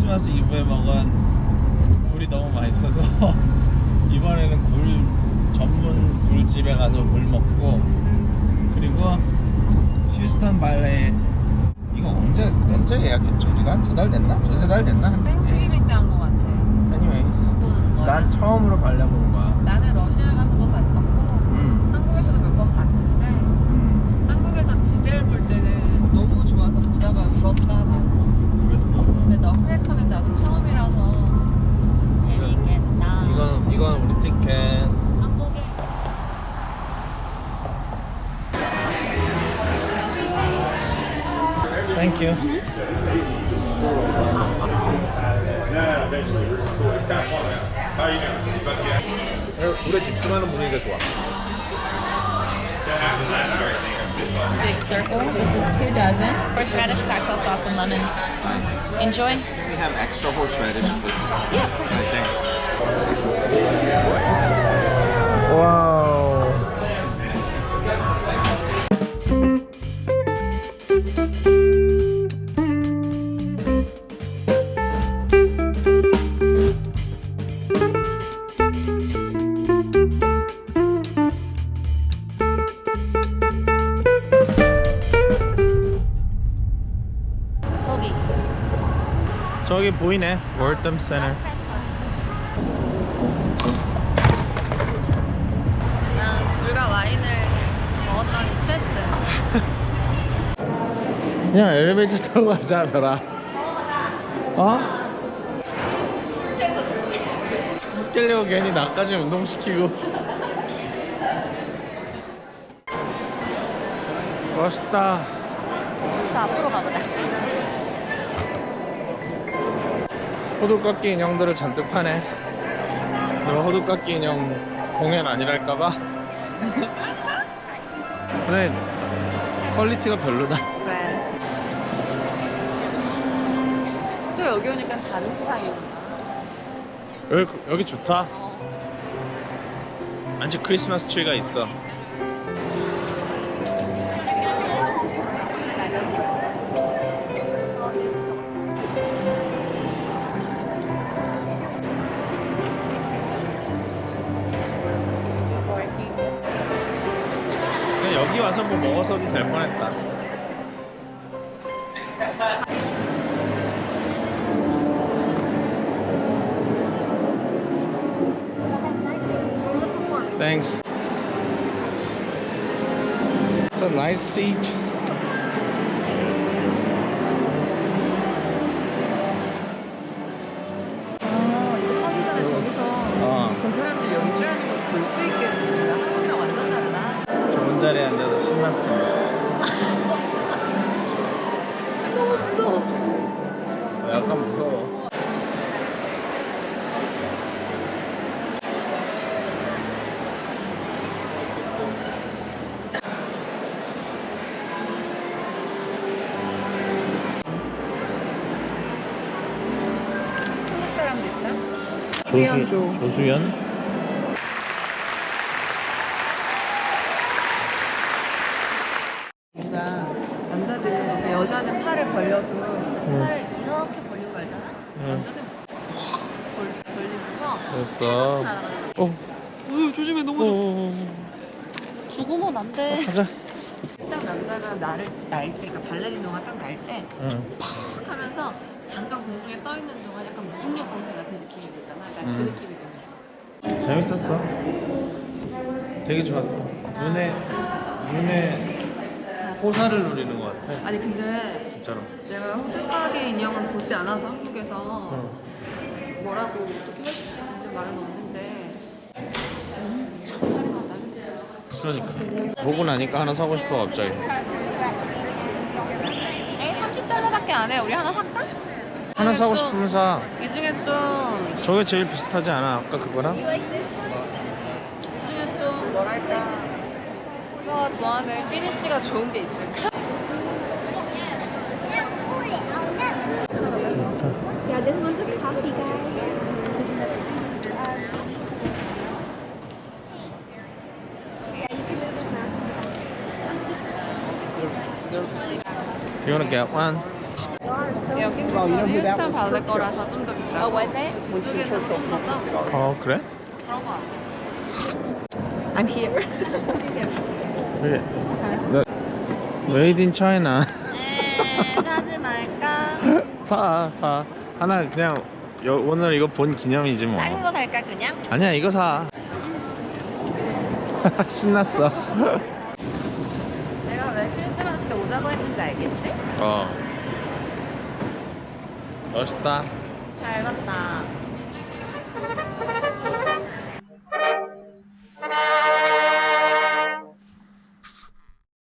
크리스마스 이브에 먹은 굴이 너무 맛있어서 이번에는 굴 전문 굴집에 가서 굴 먹고, 그리고 휴스턴 발레 이거 언제 예약했지? 우리가 한 2달 됐나? 2-3달 됐나? 땡스기빙 때 한 거 같아. anyways, 보는 거야. 난 처음으로 발레 보는 거야. 나는 러시아 가서도 봤었고 한국에서도 몇 번 봤는데 한국에서 지젤 볼 때는 너무 좋아서 보다가 울었다 나는. 근데 너클래커는 나도 처음이라서 재밌겠다. 이건 우리 티켓. 한국에 Thank you. 오래 집중하는 분위기가 좋아. Big circle. This is 2 dozen. Horseradish, cocktail sauce, and lemons. Enjoy. We have extra horseradish. Yeah, of course. 와우. 저기 보이네. 월덤 센터. 난 굴과 와인을 먹었더니 취했대. 그냥 엘리베이터 타고 가자, 별아. 어? 웃기려고 괜히 나까지 운동시키고. 멋있다. 저 앞으로 가보자. 호두깎이 인형들을 잔뜩 파네. 너 호두깎이 인형 공연 아니랄까봐. 근데 퀄리티가 별로다. 그래. 또 여기 오니까 다른 세상이구나. 여기 좋다. 안쪽 크리스마스 트리가 있어. 그냥 여기 와서 뭐 먹어서도 될 뻔했다. Thanks. It's a nice seat. 이거 하기 전에 저기서 저 사람들 연주하는 걸 볼 수 있게 해주는 거야. 한국이랑 완전 다르다. 좋은 자리에 앉아서 신났습니다. 너무 무서워. 약간 무서워. 한국 사람도 있다. 조수연? 뭔가 남자들은 그러니까 여자는 팔을 벌려도 팔을 이렇게 벌리고 갈잖아. 남자는 벌리면서 됐어. 날아가는. 조심해 넘어져. 죽으면 안 돼. 가자. 딱 남자가 나를 날 때, 그러니까 발레리노가 딱 날 때 팍 하면서 잠깐 공중에 떠 있는 동안 약간 무중력 상태 같은 느낌이 들잖아. 약간 그 느낌이 드는 거야. 재밌었어. 되게 좋았어. 눈에 호사를 누리는 것 같아. 아니 근데 진짜로. 내가 호두까기 인형은 보지 않아서 한국에서 뭐라고 어떻게 할 수 있는데 말은 없는데 참 화려하다 그치? 그러니까. 보고 나니까 하나 사고 싶어 갑자기. 에이 $30밖에 안 해. 우리 하나 살까? 하나 사고 싶으면 사. 이 중에 좀 저게 제일 비슷하지 않아? 아까 그거랑? 이 중에 좀 뭐랄까 오빠가 좋아하는 피니쉬가 좋은 게 있을까? Yeah, this one's a coffee, guys. Do you want to get one? You are so 여긴 휴스턴 발레 거라서 좀 더 비싸. 이쪽에는 좀 더 싸고. 그래? 그런 거 같아. I'm here. 그래. Made in China. 사지 말까? 사. 하나 그냥 오늘 이거 본 기념이지 뭐. 작은 거 살까 그냥? 아니야 이거 사. 신났어. 내가 왜 크리스마스 때 오자고 했는지 알겠지? 멋있다. 잘 봤다.